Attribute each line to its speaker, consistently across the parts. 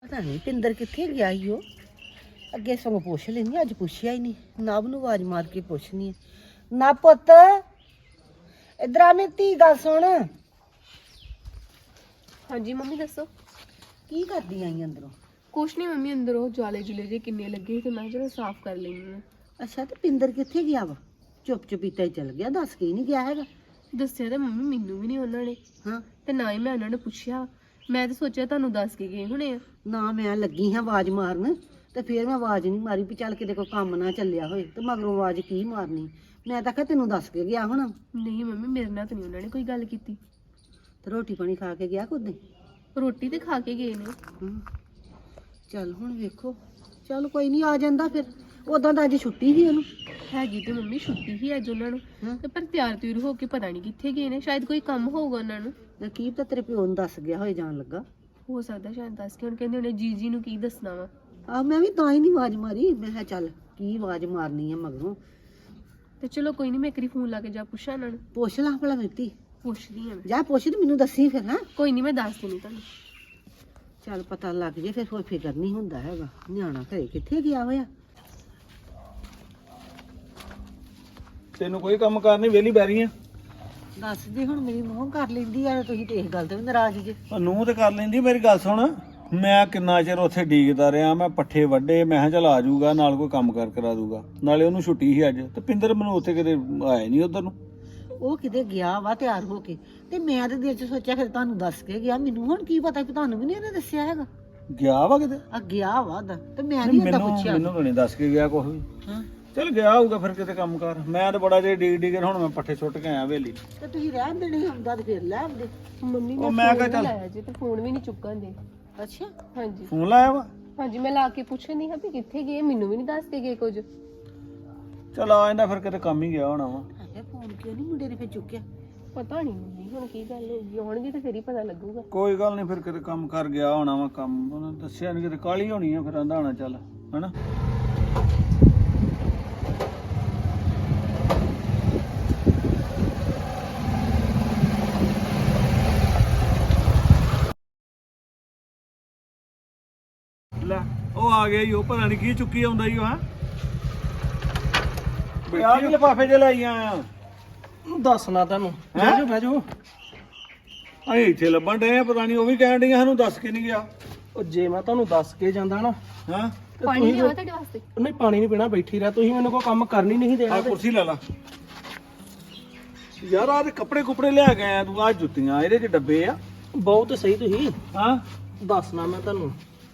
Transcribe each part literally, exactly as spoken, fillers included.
Speaker 1: ਪਤਾ ਨਹੀਂ ਪਿੰਦਰ ਕਿੱਥੇ ਗਿਆ ਈ ਉਹ। ਅੱਗੇ ਸਗੋਂ ਪੁੱਛ ਲੈਂਦੀ, ਅੱਜ ਪੁੱਛਿਆ ਹੀ ਨਹੀਂ। ਨਵ ਨੂੰ ਆਵਾਜ਼ ਮਾਰ ਕੇ ਪੁੱਛਣੀ ਹੈ। ਨਾ ਪੁੱਤ ਇਧਰ ਆ, ਮੇਰੀ ਧੀ ਗੱਲ ਸੁਣ।
Speaker 2: ਹਾਂਜੀ ਮੰਮੀ ਦੱਸੋ।
Speaker 1: ਕੀ ਕਰਦੀ ਆਈ ਅੰਦਰੋਂ?
Speaker 2: ਕੁਛ ਨਹੀਂ ਮੰਮੀ, ਅੰਦਰ ਉਹ ਜਾਲੇ ਜੁਲੇ ਜੇ ਕਿੰਨੇ ਲੱਗੇ ਤੇ ਮੈਂ ਚਲੋ ਸਾਫ਼ ਕਰ ਲੈਣੀ ਆ।
Speaker 1: ਅੱਛਾ, ਤੇ ਪਿੰਦਰ ਕਿੱਥੇ ਗਿਆ ਵਾ? ਚੁੱਪ ਚੁਪੀਤਾ ਹੀ ਚਲ ਗਿਆ, ਦੱਸ ਕੇ ਹੀ ਨਹੀਂ ਗਿਆ ਹੈਗਾ।
Speaker 2: ਦੱਸਿਆ ਤਾਂ ਮੰਮੀ ਮੈਨੂੰ ਵੀ ਨਹੀਂ ਉਹਨਾਂ ਨੇ,
Speaker 1: ਹਾਂ,
Speaker 2: ਤੇ ਨਾ ਹੀ ਮੈਂ ਉਹਨਾਂ ਨੂੰ ਪੁੱਛਿਆ। ਮੈਂ ਤਾਂ ਸੋਚਿਆ ਤੁਹਾਨੂੰ ਦੱਸ ਕੇ ਗਏ ਹੋਣੇ ਆ।
Speaker 1: ਨਾ ਮੈਂ ਲੱਗੀ ਹਾਂ ਆਵਾਜ਼ ਮਾਰਨ, ਤੇ ਫਿਰ ਮੈਂ ਆਵਾਜ਼ ਨਹੀਂ ਮਾਰੀ ਵੀ ਚੱਲ ਕਿਤੇ ਕੋਈ ਕੰਮ ਨਾ ਚੱਲਿਆ ਹੋਏ, ਤੇ ਮਗਰੋਂ ਆਵਾਜ਼ ਕੀ ਮਾਰਨੀ। ਮੈਂ ਤਾਂ ਕਿਹਾ ਤੈਨੂੰ ਦੱਸ ਕੇ ਗਿਆ ਹੋਣਾ।
Speaker 2: ਨਹੀਂ ਮੰਮੀ, ਮੇਰੇ ਨਾਲ ਤਾਂ ਨਹੀਂ ਉਹਨਾਂ ਨੇ ਕੋਈ ਗੱਲ ਕੀਤੀ।
Speaker 1: ਤੇ ਰੋਟੀ ਪਾਣੀ ਖਾ ਕੇ ਗਿਆ ਕੁੱਦੇ?
Speaker 2: ਰੋਟੀ ਤੇ ਖਾ ਕੇ ਗਏ ਨੇ।
Speaker 1: ਹਮ, ਚੱਲ ਹੁਣ ਵੇਖੋ। ਚੱਲ ਕੋਈ ਨਹੀਂ, ਆ ਜਾਂਦਾ ਫਿਰ। ਉਦਾਂ ਤਾਂ ਅੱਜ ਛੁੱਟੀ ਸੀ ਉਹਨੂੰ।
Speaker 2: ਹੈਗੀ ਤੇ ਮੰਮੀ ਛੁੱਟੀ ਹੀ ਅੱਜ ਉਹਨਾਂ ਨੂੰ,
Speaker 1: ਹਾਂ,
Speaker 2: ਤੇ ਪਰ ਤਿਆਰ ਤਿਉਰ ਹੋ ਕੇ ਪਤਾ ਨਹੀਂ ਕਿੱਥੇ ਗਏ ਨੇ। ਸ਼ਾਇਦ ਕੋਈ ਕੰਮ ਹੋਊਗਾ ਉਹਨਾਂ ਨੂੰ।
Speaker 1: ਨਕੀਬ ਤਾਂ ਤੇਰੇ ਪਿਓ ਨੂੰ ਦੱਸ ਗਿਆ ਹੋਏ ਜਾਣ ਲੱਗਾ।
Speaker 2: ਹੋ ਸਕਦਾ ਸ਼ਾਇਦ ਦੱਸ ਕੇ ਹੁਣ ਕਹਿੰਦੇ ਉਹਨੇ ਜੀ ਜੀ ਨੂੰ ਕੀ ਦੱਸਣਾ ਵਾ।
Speaker 1: ਆਹ ਮੈਂ ਵੀ ਤਾਂ ਹੀ ਨਹੀਂ ਆਵਾਜ਼ ਮਾਰੀ। ਮੈਂ ਕਿਹਾ ਚੱਲ ਕੀ ਆਵਾਜ਼ ਮਾਰਨੀ ਆ ਮਗਰੋਂ।
Speaker 2: ਤੇ ਚਲੋ ਕੋਈ ਨਹੀਂ, ਮੈਂ ਇੱਕ ਵਾਰੀ ਫੋਨ ਲਾ ਕੇ ਜਾ ਪੁੱਛਾਂ ਉਹਨਾਂ ਨੂੰ।
Speaker 1: ਪੁੱਛ ਲਾ ਭਲਾ ਮਿੱਤੀ।
Speaker 2: ਪੁੱਛਦੀ ਹਾਂ ਮੈਂ।
Speaker 1: ਜਾ ਪੁੱਛ ਤੇ ਮੈਨੂੰ ਦੱਸੀ ਫਿਰ। ਹਾਂ,
Speaker 2: ਕੋਈ ਨਹੀਂ, ਮੈਂ ਦੱਸ ਦਿੰਦੀ ਤੁਹਾਨੂੰ।
Speaker 1: ਚੱਲ ਪਤਾ ਲੱਗ ਜੇ ਫਿਰ ਕੋਈ ਫਿਕਰ ਨਹੀਂ ਹੁੰਦਾ ਹੈਗਾ। ਨਿਆਣਾ ਘਰੇ ਕਿੱਥੇ ਗਿਆ ਹੋਇਆ।
Speaker 3: ਤੈਨੂੰ ਕੋਈ ਕੰਮ ਕਾਰ ਨਹੀਂ, ਵਿਹਲੀ ਬਹਿ ਰਹੀ ਆ।
Speaker 1: ਦੱਸ ਜੇ ਹੁਣ ਮੇਰੀ ਨੂੰਹ ਕਰ ਲੈਂਦੀ ਆ, ਤੁਸੀਂ ਤੇ ਇਸ ਗੱਲ ਤੇ ਵੀ ਨਾਰਾਜ਼ ਜੇ।
Speaker 3: ਨੂੰ ਤੇ ਕਰ ਲੈਂਦੀ। ਮੇਰੀ ਗੱਲ ਸੁਣ, ਮੈਂ ਕਿੰਨਾ ਚਿਰ ਉੱਥੇ ਡੀਕਦਾ ਰਿਹਾ। ਮੈਂ ਪੱਠੇ ਵੱਢੇ, ਮੈਂ ਕਿਹਾ ਚੱਲ ਆ ਜਾਊਗਾ, ਨਾਲ ਕੋਈ ਕੰਮ ਕਾਰ ਕਰਾ ਦੂਗਾ। ਨਾਲੇ ਉਹਨੂੰ ਛੁੱਟੀ ਸੀ ਅੱਜ, ਤੇ ਪਿੰਦਰ ਮੈਨੂੰ ਉੱਥੇ ਕਿਤੇ ਆਇਆ ਨਹੀਂ ਉਧਰ ਨੂੰ।
Speaker 1: ਉਹ ਕਿਤੇ ਗਿਆ ਵਾ ਤਿਆਰ ਹੋ ਕੇ, ਤੇ ਮੈਂ ਤੇ ਦਿਲ ਚ ਸੋਚਿਆ ਫਿਰ ਤੁਹਾਨੂੰ ਦੱਸ ਕੇ ਗਿਆ। ਮੈਨੂੰ ਹੁਣ ਕੀ ਪਤਾ ਕਿ ਤੁਹਾਨੂੰ ਵੀ ਨਹੀਂ ਇਹਨੇ ਦੱਸਿਆ ਹੈਗਾ।
Speaker 3: ਗਿਆ ਵਾ ਕਿਤੇ?
Speaker 1: ਆ ਗਿਆ ਵਾ ਦਾ, ਤੇ ਮੈਂ ਨਹੀਂ ਉਹਦਾ
Speaker 3: ਮੈਨੂੰ
Speaker 1: ਪੁੱਛਿਆ।
Speaker 3: ਮੈਨੂੰ ਤਾਂ ਨਹੀਂ ਦੱਸ ਕੇ ਗਿਆ ਕੁਛ ਵੀ।
Speaker 1: ਹਾਂ,
Speaker 3: ਚੱਲ ਗਿਆ ਹੋਊਗਾ ਫਿਰ ਕਿਤੇ ਕੰਮ ਕਾਰ। ਮੈਂ ਤਾਂ ਬੜਾ ਜੇ ਡੀਕ ਡੀਕ ਹੁਣ ਮੈਂ ਪੱਠੇ ਸੁੱਟ ਕੇ ਆਇਆ ਹਵੇਲੀ।
Speaker 1: ਤੇ ਤੁਸੀਂ ਰਹਿਣ ਦੇਣੇ ਹੁੰਦਾ ਤੇ ਫਿਰ ਲੈ ਆਉਂਦੇ।
Speaker 2: ਮੰਮੀ
Speaker 3: ਉਹ
Speaker 2: ਨੇ
Speaker 3: ਮੈਂ ਕਿਹਾ
Speaker 2: ਫੋਨ
Speaker 3: ਚੱਲ-
Speaker 2: ਲਾਇਆ ਜੀ, ਤੇ ਫੋਨ ਵੀ ਨਹੀਂ ਚੁੱਕਣ ਦੇ।
Speaker 1: ਅੱਛਾ,
Speaker 2: ਹਾਂਜੀ
Speaker 3: ਫੋਨ ਲਾਇਆ ਵਾ?
Speaker 2: ਹਾਂਜੀ, ਮੈਂ ਲਾ ਕੇ ਪੁੱਛਣੀ ਹਾਂ ਵੀ ਕਿੱਥੇ ਗਏ। ਮੈਨੂੰ ਵੀ ਨਹੀਂ ਦੱਸ ਕੇ ਗਏ ਕੁਝ।
Speaker 3: ਚੱਲ ਆ ਜਾਂਦਾ ਫਿਰ, ਕਿਤੇ ਕੰਮ ਹੀ ਗਿਆ ਹੋਣਾ ਵਾ।
Speaker 1: ਹੈ ਫੋਨ ਕਿਉਂ ਨਹੀਂ ਮੁੰਡੇ ਨੇ ਫਿਰ ਚੁੱਕਿਆ?
Speaker 2: ਪਤਾ ਨਹੀਂ ਮੰਮੀ ਹੁਣ ਕੀ ਗੱਲ ਹੋਈ। ਆਉਣਗੇ ਤੇ ਫਿਰ ਹੀ ਪਤਾ ਲੱਗੂਗਾ।
Speaker 3: ਕੋਈ ਗੱਲ ਨਹੀਂ, ਫਿਰ ਕਿਤੇ ਕੰਮ ਕਰ ਗਿਆ ਹੋਣਾ ਵਾ। ਕੰਮ ਉਹਨੇ ਦੱਸਿਆ ਨਹੀਂ, ਕਿਤੇ ਕਾਲੀ ਹੋਣੀ ਆ। ਫਿਰ ਆਂਦਾ ਹੋਣਾ ਚੱਲ, ਹਨਾ। ਲੈ ਉਹ ਆ ਗਿਆ ਈ। ਉਹ ਪਤਾ ਨਹੀਂ ਕੀ ਚੁੱਕੀ ਆਉਂਦਾ ਈ ਉਹ। ਹਾਂ ਆ ਕੇ ਲਿਫਾਫੇ ਚ ਲੈ ਆਇਆ।
Speaker 4: ਦੱਸਣਾ ਤੈਨੂੰ।
Speaker 3: ਹੈਂ?
Speaker 4: ਬਹਿ ਜਾ ਬਹਿ ਜਾ।
Speaker 3: ਅਸੀਂ ਇੱਥੇ ਲੱਭਣ ਡਏ ਆ, ਪਤਾ ਨਹੀਂ ਉਹ ਵੀ ਕਹਿਣ ਡਈਆਂ ਸਾਨੂੰ ਦੱਸ ਕੇ ਨਹੀਂ ਗਿਆ।
Speaker 4: ਉਹ ਜੇ ਮੈਂ ਤੁਹਾਨੂੰ ਦੱਸ ਕੇ ਜਾਂਦਾ ਨਾ,
Speaker 3: ਹਾਂ,
Speaker 4: ਤੇ
Speaker 2: ਪਾਣੀ
Speaker 4: ਤੁਸੀਂ
Speaker 2: ਲਿਆਵਾ ਤੁਹਾਡੇ ਵਾਸਤੇ।
Speaker 4: ਨਹੀਂ ਪਾਣੀ ਨਹੀਂ ਪੀਣਾ, ਬੈਠੀ ਰਹਿ। ਤੁਸੀਂ ਮੈਨੂੰ ਕੋਈ ਕੰਮ ਕਰਨੀ ਨਹੀਂ ਦੇਣਾ।
Speaker 3: ਆ ਕੁਰਸੀ ਲੈ ਲਾ ਯਾਰ। ਆਹ ਤੇ ਕੱਪੜੇ ਕੁਪੜੇ ਲਿਆ ਕੇ ਆਇਆ ਤੂੰ। ਆਹ ਜੁੱਤੀਆਂ ਇਹਦੇ ਚ ਡੱਬੇ ਆ।
Speaker 4: ਬਹੁਤ ਸਹੀ ਤੁਸੀਂ।
Speaker 3: ਹਾਂ,
Speaker 4: ਦੱਸਣਾ ਮੈਂ ਤੁਹਾਨੂੰ।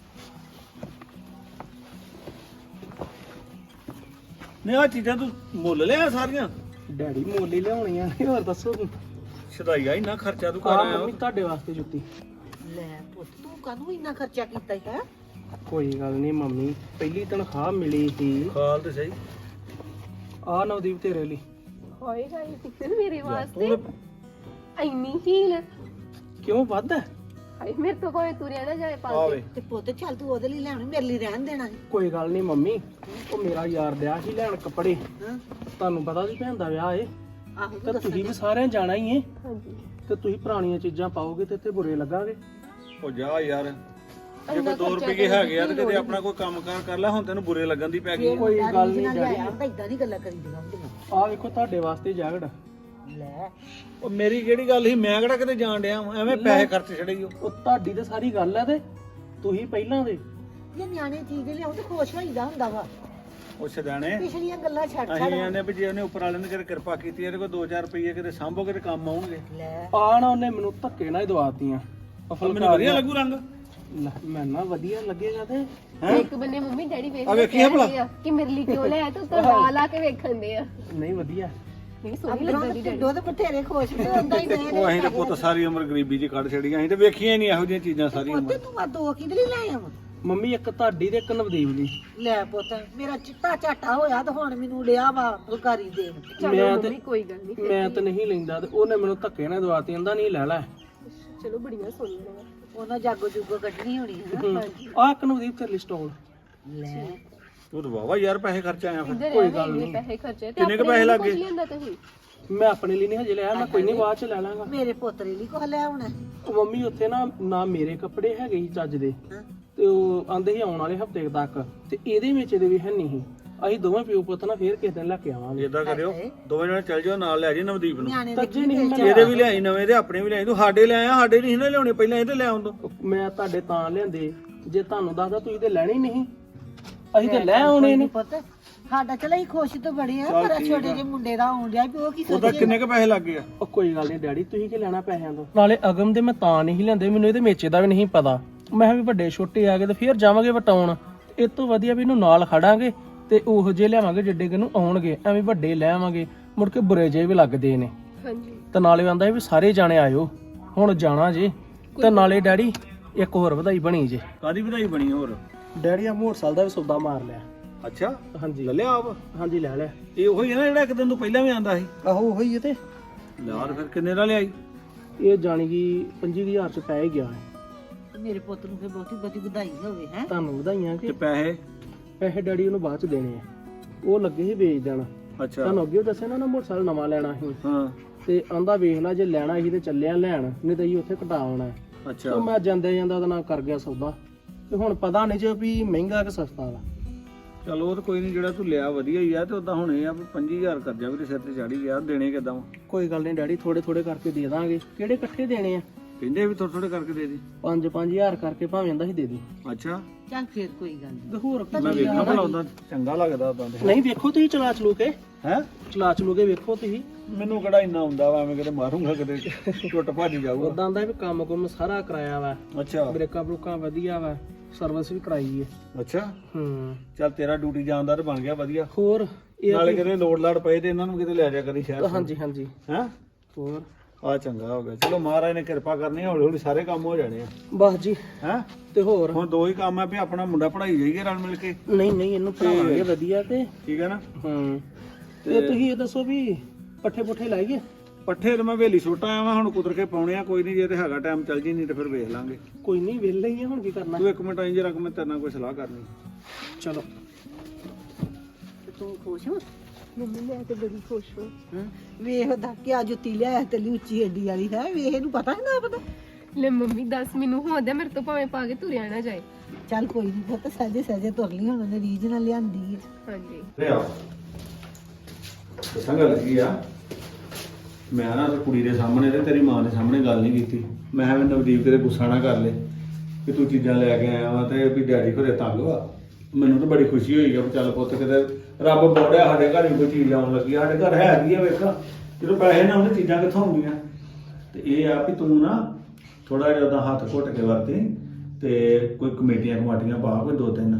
Speaker 3: ਨਹੀਂ ਆਹ ਚੀਜ਼ਾਂ ਤੂੰ ਮੁੱਲ ਲਿਆ ਸਾਰੀਆਂ?
Speaker 4: ਡੈਡੀ ਮੋਲੀ ਲਿਆਉਣੀਆਂ ਨੇ, ਹੋਰ ਦੱਸੋ।
Speaker 3: ਛਦਾਈਆ ਇੰਨਾ ਖਰਚਾ ਤੂੰ ਕਰ
Speaker 4: ਆ
Speaker 3: ਆਇਆ
Speaker 4: ਮੰਮੀ ਤੁਹਾਡੇ ਵਾਸਤੇ ਜੁੱਤੀ।
Speaker 1: ਲੈ ਪੁੱਤ, ਤੂੰ ਕਾਹਨੂੰ ਇੰਨਾ ਖਰਚਾ ਕੀਤਾ ਹੈ?
Speaker 4: ਕੋਈ ਗੱਲ ਨਹੀਂ ਮੰਮੀ, ਪਹਿਲੀ ਤਨਖਾਹ ਮਿਲੀ ਸੀ।
Speaker 3: ਖਾਲ ਤੇ ਸਹੀ।
Speaker 4: ਆ ਨਵਦੀਪ ਤੇਰੇ ਲਈ।
Speaker 2: ਹੋਏਗਾ ਇਹ ਮੇਰੇ ਵਾਸਤੇ ਇੰਨੀ ਹੀਲ।
Speaker 4: ਕਿਉਂ ਵੱਧ ਹੈ?
Speaker 2: ਹਾਏ ਮੇਰੇ ਤੋਂ ਕੋਈ ਤੁਰਿਆ ਨਾ ਜਾਏ ਪਾ
Speaker 3: ਆਵੇ
Speaker 2: ਕੇ।
Speaker 1: ਤੇ ਪੁੱਤ ਚੱਲ ਤੂੰ ਉਹਦੇ ਲਈ ਲੈਣੀ, ਮੇਰੇ ਲਈ ਰਹਿਣ ਦੇਣਾ ਸੀ।
Speaker 4: ਕੋਈ ਗੱਲ ਨਹੀਂ ਮੰਮੀ, ਉਹ ਮੇਰਾ ਯਾਰ ਦਿਆ ਸੀ ਲੈਣ ਕੱਪੜੇ।
Speaker 1: ਹਾਂ,
Speaker 4: ਤੁਹਾਨੂੰ ਪਤਾ ਸੀ ਭੈਣ ਦਾ ਵਿਆਹ ਏ,
Speaker 1: ਆਹੋ
Speaker 4: ਤੇ
Speaker 1: ਤੂੰ ਦੱਸ।
Speaker 4: ਤੁਸੀਂ ਵੀ ਸਾਰਿਆਂ ਜਾਣਾ ਹੀ ਏ।
Speaker 2: ਹਾਂਜੀ
Speaker 4: ਤੇ ਤੁਸੀਂ ਪੁਰਾਣੀਆਂ ਚੀਜ਼ਾਂ ਪਾਓਗੇ ਤੇ ਇੱਥੇ ਬੁਰੇ ਲੱਗਾਗੇ।
Speaker 3: ਉਹ ਜਾ ਯਾਰ, ਜੇ ਕੋਈ ਦੋ ਰੁਪਏ ਹੈਗੇ ਆ ਤੇ ਕਿਤੇ ਆਪਣਾ ਕੋਈ ਕੰਮ ਕਾਰ ਕਰ ਲੈ। ਹੁਣ ਤੈਨੂੰ ਬੁਰੇ ਲੱਗਣ ਦੀ ਪੈ ਗਈ।
Speaker 4: ਕੋਈ ਗੱਲ ਨਹੀਂ ਡੈਡੀ।
Speaker 1: ਇਦਾਂ ਨਹੀਂ ਗੱਲਾਂ ਕਰੀਦੀਆਂ ਹੁੰਦੀਆਂ।
Speaker 4: ਆ ਵੇਖੋ ਤੁਹਾਡੇ ਵਾਸਤੇ ਜੈਕਟ।
Speaker 1: ਲੈ,
Speaker 3: ਉਹ ਮੇਰੀ ਕਿਹੜੀ ਗੱਲ ਸੀ? ਮੈਂ ਕਿਹੜਾ ਕਿਤੇ ਜਾਣ ਡਿਆ ਵਾਂ? ਐਵੇਂ ਪੈਸੇ ਖਰਚ ਛੜੇ ਈ।
Speaker 4: ਉਹ ਤੁਹਾਡੀ ਤਾਂ ਸਾਰੀ ਗੱਲ ਹੈ, ਤੇ ਤੁਸੀਂ ਪਹਿਲਾਂ ਦੇ।
Speaker 1: ਇਹ ਨਿਆਣੇ ਚੀਜ਼ ਲਿਆਉ ਤੇ ਖੁਸ਼ ਹੋਈਦਾ ਹੁੰਦਾ ਵਾ।
Speaker 3: ਉਹ ਛਦਾਣੇ
Speaker 1: ਪਿਛਲੀਆਂ ਗੱਲਾਂ ਛੱਡ
Speaker 3: ਅਸੀਂ
Speaker 1: ਛੱਡ।
Speaker 3: ਆਂਦੇ ਵੀ ਜੇ ਉਹਨੇ ਉੱਪਰ ਵਾਲੇ ਨੇ ਕਿਤੇ ਕਿਰਪਾ ਕੀਤੀ ਇਹਦੇ ਕੋਲ ਦੋ ਚਾਰ ਰੁਪਏ ਕਿਤੇ ਸਾਂਭੋ, ਕਿਤੇ ਕੰਮ ਆਉਣਗੇ।
Speaker 1: ਲੈ,
Speaker 4: ਆ ਨਾ ਉਹਨੇ ਮੈਨੂੰ ਧੱਕੇ ਨਾਲ ਹੀ ਦਵਾਤੀਆਂ।
Speaker 3: ਉਹ ਮੈਨੂੰ ਵਧੀਆ ਲੱਗੂ ਰੰਗ।
Speaker 4: ਲੈ, ਮੈਂ ਨਾ ਵਧੀਆ ਲੱਗੇਗਾ ਤੇ
Speaker 2: ਇੱਕ ਬੰਨੇ ਮੰਮੀ ਡੈਡੀ ਵੇਖ
Speaker 3: ਆ ਵੇਖੀ ਆ ਭਲਾ।
Speaker 2: ਕਿ ਮੇਰੇ ਲਈ ਕਿਉਂ ਲੈ ਤੂੰ ਤਾਂ ਲਾ ਲਾ ਕੇ ਵੇਖਣ ਦੇ ਆ।
Speaker 4: ਨਹੀਂ ਵਧੀਆ।
Speaker 2: ਨਹੀਂ ਸੋਹਣੀ
Speaker 1: ਅੰਦਰੋਂ
Speaker 2: ਲੱਗਦੀ
Speaker 1: ਤੇ
Speaker 2: ਡੈਡੀ।
Speaker 1: ਦੁੱਧ ਬਥੇਰੇ ਖੁਸ਼ ਤੇ ਹੁੰਦਾ ਹੀ ਨਹੀਂ।
Speaker 3: ਉਹ ਅਸੀਂ ਤਾਂ ਪੁੱਤ ਸਾਰੀ ਉਮਰ ਗਰੀਬੀ 'ਚ ਕੱਢ ਛੜੀਆਂ। ਅਸੀਂ ਤਾਂ ਵੇਖੀਆਂ ਹੀ ਨਹੀਂ ਇਹੋ ਜਿਹੀਆਂ ਚੀਜ਼ਾਂ ਸਾਰੀ
Speaker 1: ਪੁੱਤ
Speaker 3: ਉਮਰ।
Speaker 1: ਤੂੰ ਆ ਦੋ ਕਿਹਦੇ ਲਈ ਲੈ ਆਵਾਂ?
Speaker 4: ਮੰਮੀ ਇੱਕ ਤੁਹਾਡੀ ਤੇ ਇੱਕ ਨਵਦੀਪ ਦੀ।
Speaker 1: ਲੈ ਪੁੱਤ, ਮੇਰਾ ਚਿੱਟਾ ਝਾਟਾ ਹੋਇਆ ਤੇ ਹੁਣ ਮੈਨੂੰ ਲਿਆ ਵਾ ਫੁਲਕਾਰੀ ਦੇਣ।
Speaker 2: ਚਲੋ
Speaker 4: ਮੈਂ ਤੇ
Speaker 2: ਮੰਮੀ ਕੋਈ ਗੱਲ ਨਹੀਂ।
Speaker 4: ਮੈਂ ਤਾਂ ਨਹੀਂ ਲੈਂਦਾ, ਤੇ ਉਹਨੇ ਮੈਨੂੰ ਧੱਕੇ ਨਾਲ ਦਵਾਤੀ। ਕਹਿੰਦਾ ਨਹੀਂ ਲੈ ਲੈ।
Speaker 2: ਚਲੋ ਬੜੀਆਂ ਸੋਹਣੀਆਂ ਨੇ।
Speaker 1: ਉਹਨਾਂ ਜਾਗੋ ਜੁਗੋ ਕੱਢਣੀ ਹੋਣੀ ਹੈ ਨਾ।
Speaker 4: ਆ ਇੱਕ ਨਵਦੀਪ ਤੇਰੇ ਲਈ ਸਟੋਲ।
Speaker 1: ਲੈ,
Speaker 3: ਉਹ ਤਾਂ ਵਾਵਾ ਯਾਰ ਪੈਸੇ ਖਰਚ ਆਇਆ ਫਿਰ।
Speaker 2: ਇੱਧਰ ਕੋਈ ਗੱਲ ਨਹੀਂ, ਪੈਸੇ ਖਰਚੇ ਤੇ
Speaker 3: ਕਿੰਨੇ ਕੁ
Speaker 2: ਆਪਣੇ
Speaker 3: ਪੈਸੇ
Speaker 2: ਲਈ
Speaker 3: ਲੱਗ ਗਏ?
Speaker 2: ਕੁਛ ਲਿਆਂਦਾ ਤੁਸੀਂ?
Speaker 4: ਮੈਂ ਆਪਣੇ ਲਈ ਨਹੀਂ ਹਜੇ ਲਿਆ, ਮੈਂ ਕੋਈ ਨਹੀਂ ਬਾਅਦ ਚ ਲੈ ਲਾਂਗਾ।
Speaker 1: ਮੇਰੇ ਪੋਤਰੇ ਲਈ ਕੁਛ ਲੈ ਆਉਣਾ।
Speaker 4: ਉਹ ਮੰਮੀ ਉੱਥੇ ਨਾ ਨਾ ਮੇਰੇ ਕੱਪੜੇ ਹੈਗੇ ਸੀ ਚੱਜ ਦੇ,
Speaker 1: ਹਾਂ,
Speaker 4: ਤੇ ਉਹ ਆਂਦੇ ਸੀ ਆਉਣ ਵਾਲੇ ਹਫਤੇ ਤੱਕ, ਤੇ ਇਹਦੇ ਵਿੱਚ ਇਹਦੇ ਵੀ ਹੈ ਨਹੀਂ ਸੀ। ਅਸੀਂ ਦੋਵੇਂ ਪਿਓ ਪੁੱਤ ਨਾ ਫੇਰ ਕਿਸੇ ਦਿਨ ਲੈ ਕੇ ਆਵਾਂਗੇ।
Speaker 3: ਇਦਾਂ ਕਰਿਓ ਦੋਵੇਂ ਜਣੇ ਚੱਲ ਜਾਓ, ਨਾਲ ਲੈ ਜੀ ਨਵਦੀਪ ਨੂੰ।
Speaker 1: ਨਿਆਣੇ
Speaker 4: ਤੱਜੇ ਨਹੀਂ ਮੈਂ
Speaker 3: ਇਹਦੇ ਵੀ ਲਿਆਈ ਨਵੇਂ ਤੇ ਆਪਣੇ ਵੀ ਲਿਆਈ। ਤੂੰ ਸਾਡੇ ਲੈ ਆਇਆ, ਸਾਡੇ ਨਹੀਂ ਨਾ ਲਿਆਉਣੇ, ਪਹਿਲਾਂ ਇਹਦੇ ਲੈ ਆਉਂਦਾ।
Speaker 4: ਮੈਂ ਤੁਹਾਡੇ ਤਾਂ ਲਿਆਂਦੇ, ਜੇ ਤੁਹਾਨੂੰ ਦੱਸਦਾ ਤੁਸੀਂ ਤੇ ਲੈਣੇ ਹੀ ਨਹੀਂ, ਅਸੀਂ ਤੇ ਲੈ ਆਉਣੇ ਨੇ।
Speaker 1: ਪੁੱਤ ਸਾਡਾ ਚਲ ਅਸੀਂ ਖੁਸ਼ ਤਾਂ ਬੜੇ ਆ, ਪਰ ਛੋਟੇ ਜਿਹੇ ਮੁੰਡੇ ਦਾ ਆਉਣ ਡਿਆ ਵੀ ਉਹ ਕੀ
Speaker 3: ਉਹਦਾ
Speaker 1: ਸੋਚੇ।
Speaker 3: ਕਿੰਨੇ ਕ ਪੈਸੇ ਲੱਗ ਗਏ ਆ?
Speaker 4: ਉਹ ਕੋਈ ਗੱਲ ਨਹੀਂ ਡੈਡੀ, ਤੁਸੀਂ ਕੀ ਲੈਣਾ ਪੈਸਿਆਂ ਤੋਂ। ਨਾਲੇ ਅਗਮ ਦੇ ਮੈਂ ਤਾਂ ਨਹੀਂ ਲੈਂਦੇ, ਮੈਨੂੰ ਇਹਦੇ ਮੇਚੇ ਦਾ ਵੀ ਨਹੀਂ ਪਤਾ। ਮੈਂ ਕਿਹਾ ਵੀ ਵੱਡੇ ਛੋਟੇ ਆ ਗਏ ਤੇ ਫੇਰ ਜਾਵਾਂਗੇ ਵਟਾਉਣ, ਇਹ ਤੋਂ ਵਧੀਆ ਵੀ ਇਹਨੂੰ ਨਾਲ ਖੜਾਂਗੇ ਤੇ ਉਹੋ ਜਿਹੇ ਲਿਆਵਾਂਗੇ ਜਿੱਡੇ ਕਿ ਨੂੰ ਆਉਣਗੇ। ਐਵੇਂ ਵੱਡੇ ਲੈ ਆਵਾਂਗੇ ਮੁੜ ਕੇ ਬੁਰੇ ਜਿਹੇ ਵੀ ਲੱਗਦੇ ਨੇ।
Speaker 2: ਹਾਂਜੀ
Speaker 4: ਤੇ ਨਾਲੇ ਆਂਦਾ ਵੀ ਸਾਰੇ ਜਾਣੇ ਆਇਓ, ਹੁਣ ਜਾਣਾ ਜੇ। ਤੇ ਨਾਲੇ ਡੈਡੀ ਇੱਕ ਹੋਰ ਵਧਾਈ ਬਣੀ ਜੇ।
Speaker 3: ਕਾਦੀ ਵਧਾਈ ਬਣੀ ਹੋਰ?
Speaker 4: ਡੈਡੀ ਆ ਮੋਟਰਸਾਈਕਲ ਦਾ ਵੀ ਸੌਦਾ ਮਾਰ ਲਿਆ।
Speaker 3: ਅੱਛਾ,
Speaker 4: ਹਾਂਜੀ
Speaker 3: ਲੈ ਲਿਆ ਆਪ?
Speaker 4: ਹਾਂਜੀ ਲੈ ਲਿਆ।
Speaker 3: ਇਹ ਉਹੀ ਹੈ ਨਾ ਜਿਹੜਾ ਇੱਕ ਦਿਨ ਤੋਂ ਪਹਿਲਾਂ ਵੀ ਆਂਦਾ ਸੀ?
Speaker 4: ਆਹੋ ਉਹੀ ਹੈ। ਤੇ
Speaker 3: ਯਾਰ ਫਿਰ ਕਿੰਨੇ ਦਾ ਲਿਆਈ?
Speaker 4: ਇਹ ਜਾਣੀ ਕਿ ਪੰਜੀ ਹਜ਼ਾਰ ਚ ਪੈ ਹੀ ਗਿਆ ਹੈ।
Speaker 1: ਮੇਰੇ ਪੁੱਤ ਨੂੰ ਫਿਰ ਬਹੁਤੀ ਬਹੁਤੀ ਵਧਾਈ ਹੋਵੇ ਹੈ।
Speaker 4: ਤੁਹਾਨੂੰ ਵਧਾਈਆਂ
Speaker 3: ਤੇ
Speaker 4: ਕਿ
Speaker 3: ਪੈਸੇ?
Speaker 4: ਪੈਸੇ ਡੈਡੀ ਉਹਨੂੰ ਬਾਅਦ ਚ ਦੇਣੇ ਆ, ਉਹ ਲੱਗੇ ਸੀ ਵੇਚ ਦੇਣ।
Speaker 3: ਅੱਛਾ।
Speaker 4: ਤੁਹਾਨੂੰ ਅੱਗੇ ਦੱਸਿਆ ਨਾ ਨਾ ਮੋਟਰਸਾਈਕਲ ਨਵਾਂ ਲੈਣਾ ਸੀ,
Speaker 3: ਹਾਂ।
Speaker 4: ਤੇ ਆਂਦਾ ਵੇਖ ਲੈ ਜੇ ਲੈਣਾ ਸੀ ਤੇ ਚੱਲਿਆ ਲੈਣ, ਨਹੀਂ ਤਾਂ ਅਸੀਂ ਉੱਥੇ ਘਟਾ ਆਉਣਾ।
Speaker 3: ਅੱਛਾ।
Speaker 4: ਤੇ ਮੈਂ ਜਾਂਦੇ ਜਾਂਦਾ ਉਹਦੇ ਨਾਲ ਕਰ ਗਿਆ ਸੌਦਾ, ਤੇ ਹੁਣ ਪਤਾ ਨਹੀਂ ਜੇ ਵੀ ਮਹਿੰਗਾ ਕਿ ਸਸਤਾ ਵਾ।
Speaker 3: ਚਲੋ ਉਹ ਤਾਂ ਕੋਈ ਨਹੀਂ, ਜਿਹੜਾ ਤੂੰ ਲਿਆ ਵਧੀਆ ਹੀ ਆ। ਤੇ ਉਦਾਂ ਹੁਣ ਇਹ ਆ ਵੀ ਪੰਜੀ ਹਜ਼ਾਰ ਕਰਜ਼ਾ ਵੀ ਤੇ ਸਿਰ ਤੇ ਚੜੀ ਗਿਆ, ਦੇਣੇ ਕਿੱਦਾਂ ਵਾ?
Speaker 4: ਕੋਈ ਗੱਲ ਨਹੀਂ ਡੈਡੀ, ਥੋੜੇ ਥੋੜੇ ਕਰਕੇ ਦੇ ਦਾਂਗੇ। ਕਿਹੜੇ ਇਕੱਠੇ ਦੇਣੇ ਆ?
Speaker 3: ਕਹਿੰਦੇ ਵੀ ਥੋੜੇ ਥੋੜੇ ਕਰਕੇ ਦੇ ਦੇ।
Speaker 4: ਪੰਜ ਪੰਜ ਹਜ਼ਾਰ ਕਰਕੇ ਭਾਵੇਂ ਆਂਦਾ ਸੀ ਦੇ ਦੇ।
Speaker 3: ਅੱਛਾ,
Speaker 1: ਚੱਲ ਫਿਰ ਕੋਈ ਗੱਲ ਨਹੀਂ।
Speaker 4: ਤੇ ਹੋਰ ਕੀ
Speaker 3: ਮੈਂ ਵੇਖਣਾ ਭਲਾ ਉਦਾਂ ਚੰਗਾ ਲੱਗਦਾ ਉਦਾਂ ਤੇ।
Speaker 4: ਨਹੀਂ ਵੇਖੋ ਤੁਸੀਂ ਚਲਾ ਚਲੂ ਕੇ,
Speaker 3: ਹੈ
Speaker 4: ਚਲਾ ਚਲੂ ਕੇ ਵੇਖੋ ਤੁਸੀਂ।
Speaker 3: ਮੈਨੂੰ ਕਿਹੜਾ ਇੰਨਾ ਹੁੰਦਾ ਵਾ, ਐਵੇਂ ਕਿਤੇ ਮਾਰੂੰਗਾ ਕਿਤੇ ਟੁੱਟ ਭੱਜ ਜਾਊਗਾ।
Speaker 4: ਉਦਾਂ ਦਾ ਵੀ ਕੰਮ ਕੁਮ ਸਾਰਾ ਕਰਾਇਆ ਵਾ,
Speaker 3: ਅੱਛਾ।
Speaker 4: ਬ੍ਰੇਕਾਂ ਬਰੂਕਾਂ ਵਧੀਆ ਵਾ, ਸਰਵਿਸ ਵੀ ਕਰਾਈ ਹੈ।
Speaker 3: ਅੱਛਾ,
Speaker 4: ਹੂੰ
Speaker 3: ਚੱਲ ਤੇਰਾ ਡਿਊਟੀ ਜਾਣਦਾਰ ਬਣ ਗਿਆ ਵਧੀਆ।
Speaker 4: ਹੋਰ ਇਹ
Speaker 3: ਨਾਲੇ ਕਿਤੇ ਲੋੜ ਲਾੜ ਪਏ ਤੇ ਇਹਨਾਂ ਨੂੰ ਕਿਤੇ ਲੈ ਜਾ ਕਰੀ ਸ਼ਹਿਰ।
Speaker 4: ਹਾਂਜੀ ਹਾਂਜੀ
Speaker 3: ਹੈ
Speaker 4: ਹੋਰ
Speaker 3: ਆ ਚੰਗਾ ਹੋ ਗਿਆ। ਚਲੋ ਮਹਾਰਾਜ ਨੇ ਕਿਰਪਾ ਕਰਨੀ, ਹੌਲੀ ਹੌਲੀ ਸਾਰੇ ਕੰਮ ਹੋ ਜਾਣੇ ਆ।
Speaker 4: ਬਸ ਜੀ।
Speaker 3: ਹੈ
Speaker 4: ਤੇ ਹੋਰ
Speaker 3: ਹੁਣ ਦੋ ਹੀ ਕੰਮ ਆ ਵੀ ਆਪਣਾ ਮੁੰਡਾ ਪੜਾਈ ਜਾਈਏ ਰਲ ਮਿਲ ਕੇ।
Speaker 4: ਨਹੀਂ ਨਹੀਂ ਇਹਨੂੰ ਪੜਾਵਾਂਗੇ ਵਧੀਆ। ਤੇ
Speaker 3: ਠੀਕ ਹੈ ਨਾ?
Speaker 4: ਹੂੰ ਤੇ ਤੁਸੀਂ ਇਹ ਦੱਸੋ ਵੀ ਪੱਠੇ ਪੁੱਠੇ ਲਾਈਏ?
Speaker 3: ਪੱਠੇ ਤੇ ਮੈਂ ਵੇਲੀ ਸੁੱਟ ਆਇਆ ਵਾਂ, ਹੁਣ ਕੁਦਰ ਕੇ ਪਾਉਣੇ ਆ। ਕੋਈ ਨਹੀਂ, ਜੇ ਤੇ ਹੈਗਾ ਟਾਈਮ ਚੱਲ ਜੀ, ਨਹੀਂ ਤੇ ਫਿਰ ਵੇਖ ਲਾਂਗੇ।
Speaker 4: ਕੋਈ ਨਹੀਂ ਵਿਹਲੇ ਹੀ ਆ, ਹੁਣ ਕੀ ਕਰਨਾ।
Speaker 3: ਤੂੰ ਇੱਕ ਮਿੰਟ ਆਈ ਜਰਾ, ਮੈਂ ਤੇਰੇ ਨਾਲ ਕੋਈ ਸਲਾਹ ਕਰਨੀ।
Speaker 4: ਚਲੋ।
Speaker 1: ਤੇ ਤੂੰ ਖੁਸ਼ ਹੋ?
Speaker 2: ਮੰਮੀ ਮੈਂ ਤੇ ਬੜੀ ਖੁਸ਼ ਹਾਂ।
Speaker 1: ਹਾਂ ਵੇਖ ਉਹਦਾ ਕਿ ਆ ਜੁੱਤੀ ਲਿਆਇਆ ਤੇ ਉੱਚੀ ਏਡੀ ਵਾਲੀ ਹੈ। ਵੇਖ ਇਹਨੂੰ ਪਤਾ ਹੈ ਨਾ ਪਤਾ।
Speaker 2: ਲੈ ਮੰਮੀ ਦੱਸ, ਮੈਨੂੰ ਹੋਦਾ ਮੇਰੇ ਤੋਂ ਭਾਵੇਂ ਪਾ ਕੇ ਤੁਰਿਆ ਨਾ ਜਾਏ।
Speaker 1: ਚੱਲ ਕੋਈ ਨਹੀਂ ਪੁੱਤ, ਸਹਜੇ ਸਹਜੇ ਤੁਰ ਲਈ, ਹੁਣ ਉਹਨੇ ਰੀਝ ਨਾਲ ਲਿਆਂਦੀ ਹੈ।
Speaker 2: ਹਾਂਜੀ
Speaker 3: ਤੇ ਆ ਦੱਸਾਂ ਗੱਲ ਕੀ ਆ, ਮੈਂ ਨਾ ਤੇ ਕੁੜੀ ਦੇ ਸਾਹਮਣੇ ਤੇ ਤੇਰੀ ਮਾਂ ਦੇ ਸਾਹਮਣੇ ਗੱਲ ਨਹੀਂ ਕੀਤੀ। ਮੈਂ ਕਿਹਾ ਵੀ ਨਵਦੀਪ ਕਿਤੇ ਗੁੱਸਾ ਨਾ ਕਰ ਲੈ ਕਿ ਤੂੰ ਚੀਜ਼ਾਂ ਲੈ ਕੇ ਆਇਆ ਵਾ ਤੇ ਵੀ ਡੈਡੀ ਘਰੇ ਤੰਗ ਵਾ। ਮੈਨੂੰ ਤਾਂ ਬੜੀ ਖੁਸ਼ੀ ਹੋਈ ਆ ਵੀ ਚੱਲ ਪੁੱਤ ਕਿਤੇ ਰੱਬ ਬੋੜਿਆ ਸਾਡੇ ਘਰ ਵੀ ਕੋਈ ਚੀਜ਼ ਆਉਣ ਲੱਗੀ। ਸਾਡੇ ਘਰ ਹੈਗੀ ਆ, ਵੇਖਾ ਜਦੋਂ ਪੈਸੇ ਨਾ ਉਹਨੇ ਚੀਜ਼ਾਂ ਕਿੱਥੋਂ ਆਉਂਦੀਆਂ। ਤੇ ਇਹ ਆ ਵੀ ਤੂੰ ਨਾ ਥੋੜਾ ਜਿਹਾ ਉਹਦਾ ਹੱਥ ਘੁੱਟ ਕੇ ਵਰਤੇ, ਤੇ ਕੋਈ ਕਮੇਟੀਆਂ ਕਮਾਟੀਆਂ ਪਾ ਕੋਈ ਦੋ ਤਿੰਨ,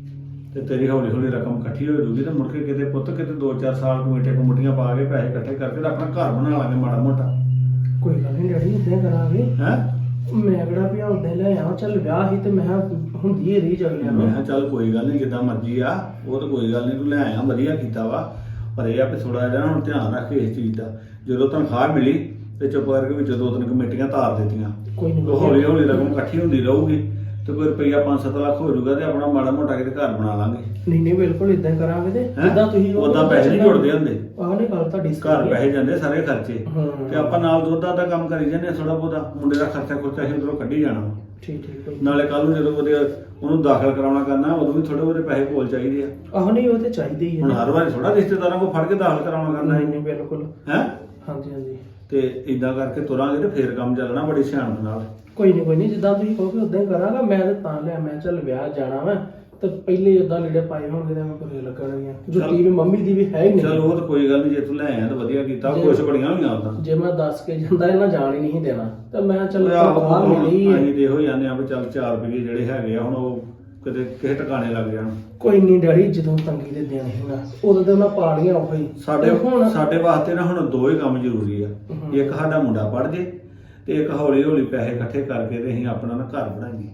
Speaker 3: ਤੇ ਤੇਰੀ ਹੌਲੀ ਹੌਲੀ ਰਕਮ ਇਕੱਠੀ ਹੋ ਜੂਗੀ। ਤੇ ਮੁੜ ਕੇ ਕਿਤੇ ਪੁੱਤ ਕਿਤੇ ਦੋ ਚਾਰ ਸਾਲ ਕਮੇਟੀਆਂ ਕਮੂਟੀਆਂ ਪਾ ਕੇ ਪੈਸੇ ਇਕੱਠੇ ਕਰਕੇ ਤੇ ਆਪਣਾ ਘਰ ਬਣਾ ਲਾਂਗੇ ਮਾੜਾ ਮੋਟਾ।
Speaker 4: ਕੋਈ ਗੱਲ ਨਹੀਂ ਡੈਡੀ, ਇਦਾਂ ਕਰਾਂਗੇ।
Speaker 3: ਹੈ
Speaker 4: ਮੈਂ ਕਿਹੜਾ ਵੀ ਉਦਾਂ ਲੈ ਆਵਾਂ, ਚੱਲ ਵਿਆਹ ਸੀ ਤੇ ਮੈਂ ਕਿਹਾ ਹੁੰਦੀ ਹੈ ਰੀ ਚੱਲਿਆ।
Speaker 3: ਮੈਂ ਕਿਹਾ ਚੱਲ ਕੋਈ ਗੱਲ ਨਹੀਂ, ਜਿੱਦਾਂ ਮਰਜ਼ੀ ਆ, ਉਹ ਤਾਂ ਕੋਈ ਗੱਲ ਨਹੀਂ, ਤੂੰ ਲੈ ਆਇਆ ਵਧੀਆ ਕੀਤਾ ਵਾ। ਪਰ ਇਹ ਆ ਵੀ ਥੋੜਾ ਜਿਹਾ ਹੁਣ ਧਿਆਨ ਰੱਖ ਇਸ ਚੀਜ਼ ਦਾ। ਜਦੋਂ ਤਨਖਾਹ ਮਿਲੀ ਤੇ ਚੁੱਪ ਕਰਕੇ ਵਿੱਚ ਦੋ ਤਿੰਨ ਕਮੇਟੀਆਂ ਤਾਰ ਦਿੱਤੀਆਂ।
Speaker 4: ਕੋਈ ਨਹੀਂ,
Speaker 3: ਹੌਲੀ ਹੌਲੀ ਰਕਮ ਇਕੱਠੀ ਹੁੰਦੀ ਰਹੂਗੀ ਤੇ ਕੋਈ ਰੁਪਈਆ ਪੰਜ ਸੱਤ ਲੱਖ ਹੋ ਜਾਊਗਾ ਤੇ ਆਪਣਾ ਮਾੜਾ ਮੋਟਾ ਕਿਤੇ ਘਰ ਬਣਾ ਲਾਂਗੇ।
Speaker 4: ਨਹੀਂ ਨਹੀਂ ਬਿਲਕੁਲ ਇਦਾਂ ਕਰਾਂਗੇ। ਤੇ
Speaker 3: ਹੈਂ?
Speaker 4: ਜਿੱਦਾਂ ਤੁਸੀਂ
Speaker 3: ਉਦਾਂ ਪੈਸੇ ਨਹੀਂ ਜੁੜਦੇ ਹੁੰਦੇ,
Speaker 4: ਆਹ ਨਹੀਂ ਗੱਲ ਤੁਹਾਡੀ ਸਹੀ
Speaker 3: ਘਰ
Speaker 4: ਹੈ।
Speaker 3: ਪੈਸੇ ਜਾਂਦੇ ਸਾਰੇ ਖਰਚੇ।
Speaker 4: ਹਾਂ
Speaker 3: ਤੇ ਆਪਾਂ ਨਾਲ ਦੁੱਧ ਦਾ ਕੰਮ ਕਰੀ ਜਾਂਦੇ ਥੋੜਾ ਬਹੁਤਾ, ਮੁੰਡੇ ਦਾ ਖਰਚਾ ਖੁਰਚਾ ਅਸੀਂ ਉਧਰੋਂ ਕੱਢੀ ਜਾਣਾ ਵਾ।
Speaker 4: ਠੀਕ ਠੀਕ ਕੋਈ
Speaker 3: ਨਾਲੇ ਕੱਲ ਨੂੰ ਜਦੋਂ ਉਹਦੇ ਉਹਨੂੰ ਦਾਖਲ ਕਰਾਉਣਾ ਕਰਨਾ, ਉਦੋਂ ਵੀ ਥੋੜੇ ਬਹੁਤੇ ਪੈਸੇ ਕੋਲ ਚਾਹੀਦੇ ਆ।
Speaker 4: ਆਹ ਨਹੀਂ, ਉਹ ਤੇ ਚਾਹੀਦੇ ਹੀ
Speaker 3: ਹੁਣ
Speaker 4: ਹੈ।
Speaker 3: ਹਰ ਵਾਰੀ ਥੋੜਾ ਰਿਸ਼ਤੇਦਾਰਾਂ ਕੋਲ ਫੜ ਕੇ ਦਾਖਲ ਕਰਾਉਣਾ ਕਰਨਾ
Speaker 4: ਨਹੀਂ ਨਹੀਂ ਬਿਲਕੁਲ।
Speaker 3: ਹੈ।
Speaker 4: ਹਾਂਜੀ ਹਾਂਜੀ
Speaker 3: ਤੇ ਇਦਾਂ ਕਰਕੇ ਤੁਰਾਂਗੇ ਤੇ ਫੇਰ ਕੰਮ ਚੱਲਣਾ ਬੜੀ ਸਿਆਣਪ ਨਾਲ।
Speaker 4: ਕੋਈ ਨਹੀਂ ਕੋਈ ਨਹੀਂ, ਜਿੱਦਾਂ ਤੁਸੀਂ ਕਹੋਗੇ ਉਦਾਂ ਹੀ ਕਰਾਂਗਾ। ਮੈਂ ਤੇ ਤਾਂ ਲਿਆ, ਮੈਂ ਚੱਲ ਵਿਆਹ ਜਾਣਾ ਵਾ ਤੇ ਪਹਿਲੇ ਉਦਾਂ ਲੀੜੇ ਪਾਏ ਹੋਣਗੇ ਤਾਂ ਮੈਂ ਬੁਰੇ ਲੱਗਣਗੀਆਂ। ਜੁੱਤੀ ਵੀ ਮੰਮੀ ਦੀ ਵੀ ਹੈ ਹੀ
Speaker 3: ਚਲ
Speaker 4: ਨਹੀਂ।
Speaker 3: ਉਹ ਤਾਂ ਕੋਈ ਗੱਲ ਨਹੀਂ, ਜੇ ਤੂੰ ਲੈ ਆਇਆ ਤਾਂ ਵਧੀਆ ਕੀਤਾ। ਖੁਸ਼ ਬੜੀਆਂ ਹੋਈਆਂ ਉਦਾਂ।
Speaker 4: ਜੇ ਮੈਂ ਦੱਸ ਕੇ ਜਾਂਦਾ ਇਹਨਾਂ ਜਾਣ ਹੀ ਨਹੀਂ ਦੇਣਾ, ਤੇ ਮੈਂ ਚੱਲ
Speaker 3: ਆਹੋ,
Speaker 4: ਬਾਹਰ ਮਿਲੀ ਹੈ।
Speaker 3: ਅਸੀਂ ਤੇ ਇਹੋ ਜਾਂਦੇ ਆ ਵੀ ਚੱਲ ਚਾਰ ਰੁਪਏ ਜਿਹੜੇ ਹੈਗੇ ਆ ਹੁਣ ਉਹ ਕਿਤੇ ਕਿਸੇ ਟਿਕਾਣੇ ਲੱਗ ਜਾਣ।
Speaker 4: ਕੋਈ ਨਹੀਂ ਡੈਡੀ, ਜਦੋਂ ਤੰਗੀ ਦੇ ਦਿਨ ਹੈਗਾ ਉਦੋਂ ਤੇ ਮੈਂ ਪਾ ਲਈਆਂ ਉਹ ਹੀ।
Speaker 3: ਸਾਡੇ
Speaker 4: ਹੁਣ
Speaker 3: ਸਾਡੇ ਵਾਸਤੇ ਨਾ ਹੁਣ ਦੋ ਹੀ ਕੰਮ ਜ਼ਰੂਰੀ ਆ।
Speaker 4: ਹਮ।
Speaker 3: ਇੱਕ ਸਾਡਾ ਮੁੰਡਾ ਪੜ੍ਹ ਜੇ ਤੇ ਇੱਕ ਹੌਲੀ ਹੌਲੀ ਪੈਸੇ ਇਕੱਠੇ ਕਰਕੇ ਤੇ ਅਸੀਂ ਆਪਣਾ ਨਾ ਘਰ ਬਣਾਈਏ।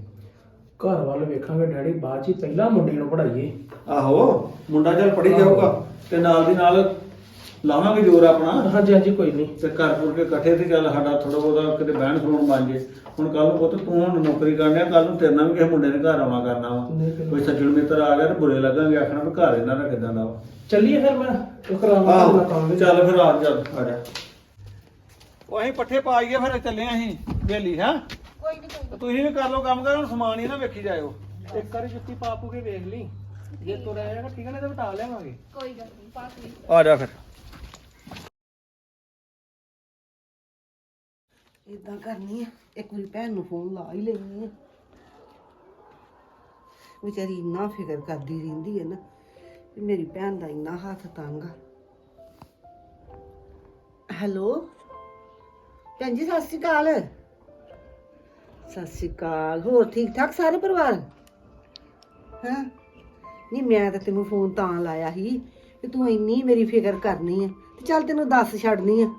Speaker 4: ਘਰ ਵੱਲ ਵੇਖਾਂਗੇ ਡੈਡੀ, ਬਾਅਦ ਚ ਹੀ ਪਹਿਲਾਂ ਮੁੰਡੇ ਨੂੰ ਪੜਾਈਏ।
Speaker 3: ਆਹੋ, ਮੁੰਡਾ ਚੱਲ ਪੜ੍ਹੀ ਜਾਊਗਾ ਤੇ ਨਾਲ ਦੀ ਨਾਲ ਲਾਵਾਂਗੇ ਜ਼ੋਰ ਆਪਣਾ।
Speaker 4: ਹਾਂਜੀ ਹਾਂਜੀ ਕੋਈ ਨਹੀਂ।
Speaker 3: ਤੇ ਘਰ ਪੁਰ ਕੇ ਇਕੱਠੇ ਤੇ ਚੱਲ ਸਾਡਾ ਥੋੜਾ ਬਹੁਤਾ ਕਿਤੇ ਬਹਿਣ ਖਲੋਣ ਬਣ ਜੇ। ਹੁਣ ਕੱਲ ਨੂੰ ਪੁੱਤ ਤੂੰ ਹੁਣ ਨੌਕਰੀ ਕਰਨੀ ਆ, ਕੱਲ ਨੂੰ ਤੇਰੇ ਨਾਲ ਵੀ ਕਿਸੇ ਮੁੰਡੇ ਨੇ ਘਰ ਆਉਣਾ ਕਰਨਾ ਵਾ।
Speaker 4: ਨਹੀਂ ਫਿਰ-
Speaker 3: ਕੋਈ ਸੱਜਣ ਮਿੱਤਰ ਆ ਗਿਆ ਤੇ ਬੁਰੇ ਲੱਗਾਂਗੇ, ਆਖਣਾ ਵੀ ਘਰ ਇਹਨਾਂ ਦਾ ਕਿਦਾਂ ਦਾ ਵਾ।
Speaker 4: ਚੱਲੀਏ ਫਿਰ, ਮੈਂ ਉਹ ਕਰਾਵਾਂਗਾ
Speaker 3: ਆਹੋ,
Speaker 4: ਆਪਣਾ ਕੰਮ ਵੀ।
Speaker 3: ਚੱਲ ਫਿਰ ਆ ਜਾ ਆ ਜਾ। ਉਹ ਅਸੀਂ ਪੱਠੇ ਪਾ ਆਈਏ ਫਿਰ ਚੱਲੇ ਆਂ ਅਸੀਂ ਵੇਲੀ। ਹੈ
Speaker 1: ਕੋਈ ਨਹੀਂ ਕੋਈ
Speaker 3: ਤੁਸੀਂ ਵੀ ਕਰ ਲਓ ਕੰਮ ਕਰ, ਹੁਣ ਸਮਾਨ ਹੀ ਨਾ ਵੇਖੀ ਜਾਇਓ।
Speaker 4: ਇੱਕ ਵਾਰੀ ਜੁੱਤੀ ਪਾ ਪੂ ਕੇ ਵੇਖ ਲਈ ਜੇ ਤੁਰ ਆਏਗਾ ਠੀਕ ਹੈ ਨਾ ਤੇ ਵਟਾ ਲਿਆਵਾਂਗੇ
Speaker 2: ਕੋਈ ਗੱਲ ਨਹੀਂ ਪਾ ਕੇ
Speaker 3: ਆ ਜਾ ਫਿਰ
Speaker 1: ਇਦਾਂ ਕਰਨੀ ਆ, ਇੱਕ ਵਾਰੀ ਭੈਣ ਨੂੰ ਫੋਨ ਲਾ ਹੀ ਲੈਣੀ ਆ। ਵਿਚਾਰੀ ਇੰਨਾ ਫਿਕਰ ਕਰਦੀ ਰਹਿੰਦੀ ਹੈ ਨਾ ਵੀ ਮੇਰੀ ਭੈਣ ਦਾ ਇੰਨਾ ਹੱਥ ਤੰਗ ਆ। ਹੈਲੋ ਭੈਣ ਜੀ, ਸਤਿ ਸ਼੍ਰੀ ਅਕਾਲ। ਸਤਿ ਸ਼੍ਰੀ ਅਕਾਲ। ਹੋਰ ਠੀਕ ਠਾਕ ਸਾਰੇ ਪਰਿਵਾਰ? ਹਾਂ ਨਹੀਂ, ਮੈਂ ਤਾਂ ਤੈਨੂੰ ਫੋਨ ਤਾਂ ਲਾਇਆ ਸੀ ਕਿ ਤੂੰ ਇੰਨੀ ਮੇਰੀ ਫਿਕਰ ਕਰਨੀ ਆ ਤੇ ਚੱਲ ਤੈਨੂੰ ਦੱਸ ਛੱਡਨੀ ਆ।